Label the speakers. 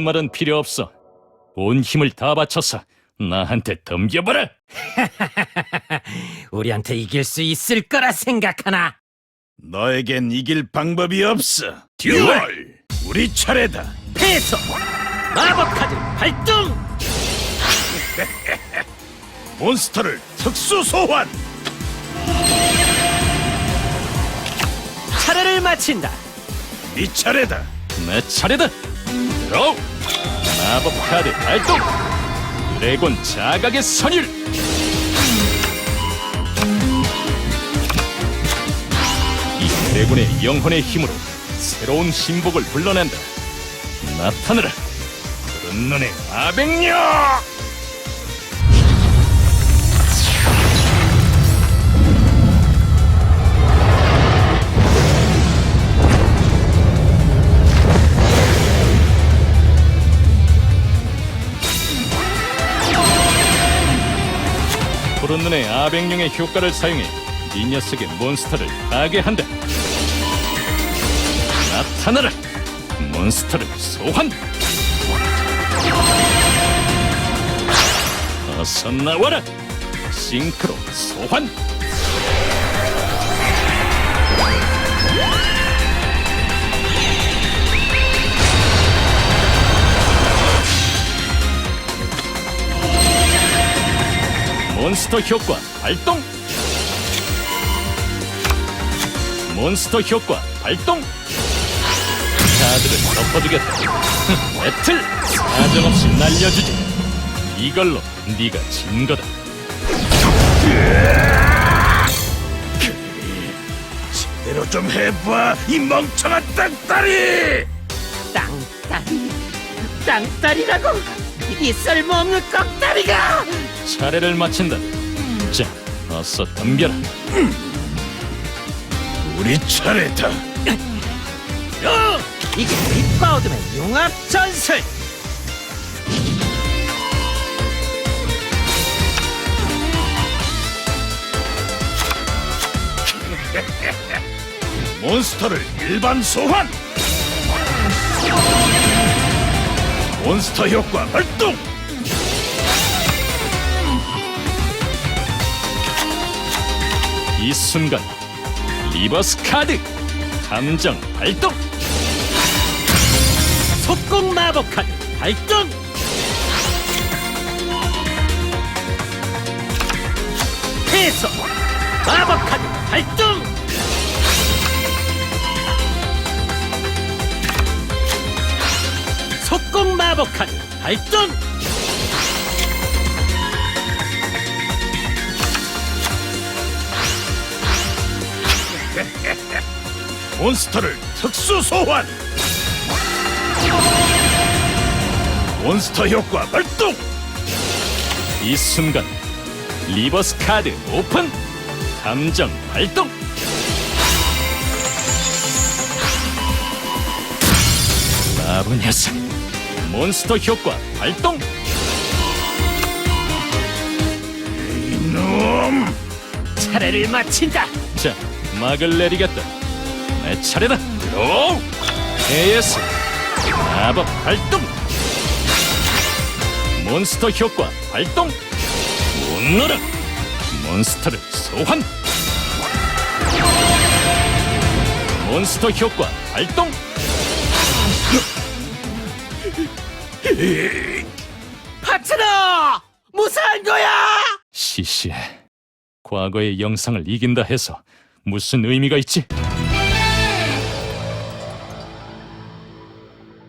Speaker 1: 말은 필요 없어. 온 힘을 다 바쳐서 나한테 덤겨봐라.
Speaker 2: 우리한테 이길 수 있을 거라 생각하나?
Speaker 3: 너에겐 이길 방법이 없어. 듀얼! 우리 차례다.
Speaker 2: 패소! 마법 카드 발동!
Speaker 3: 몬스터를 특수 소환!
Speaker 2: 차례를 마친다.
Speaker 3: 네 차례다.
Speaker 1: 내 차례다. 드로우. 마법 카드 발동. 드래곤 자각의 선율. 이 드래곤의 영혼의 힘으로 새로운 신복을 불러낸다. 나타나라. 푸른 눈의 아백녀. 푸른 눈의 아백룡의 효과를 사용해 이 녀석의 몬스터를 파괴한다. 나타나라! 몬스터를 소환! 어서 나와라! 싱크로 소환! 몬스터 효과 발동! 몬스터 효과 발동! 카드를 덮어두겠다. 배틀! 사정없이 날려주지. 이걸로 네가 진 거다.
Speaker 3: 제대로 좀 해봐, 이 멍청한 땅따리!
Speaker 2: 땅다리라고? 이 쓸모없는 꺽다리가!
Speaker 1: 차례를 마친다. 자, 어서 덤벼라.
Speaker 3: 우리 차례다.
Speaker 2: 이게 빅바우드의 융합 전술!
Speaker 3: 몬스터를 일반 소환! 몬스터 효과 발동!
Speaker 1: 이 순간 리버스 카드 감정 발동.
Speaker 2: 속공 마법 카드 발동! 패소! 마법 카드 발동! 속공 마법 카드 발동!
Speaker 3: 몬스터를 특수 소환! 몬스터 효과 발동!
Speaker 1: 이 순간 리버스 카드 오픈. 감정 발동. 바보 녀석. 몬스터 효과 발동.
Speaker 3: 이놈!
Speaker 2: 차례를 마친다.
Speaker 1: 자, 막을 내리겠다. 내 차례다. 들어오! AS 마법 발동. 몬스터 효과 발동. 웃노라. 몬스터를 소환. 몬스터 효과 발동.
Speaker 2: 파트너! 무사한 거야!
Speaker 1: 시시해. 과거의 영상을 이긴다 해서 무슨 의미가 있지?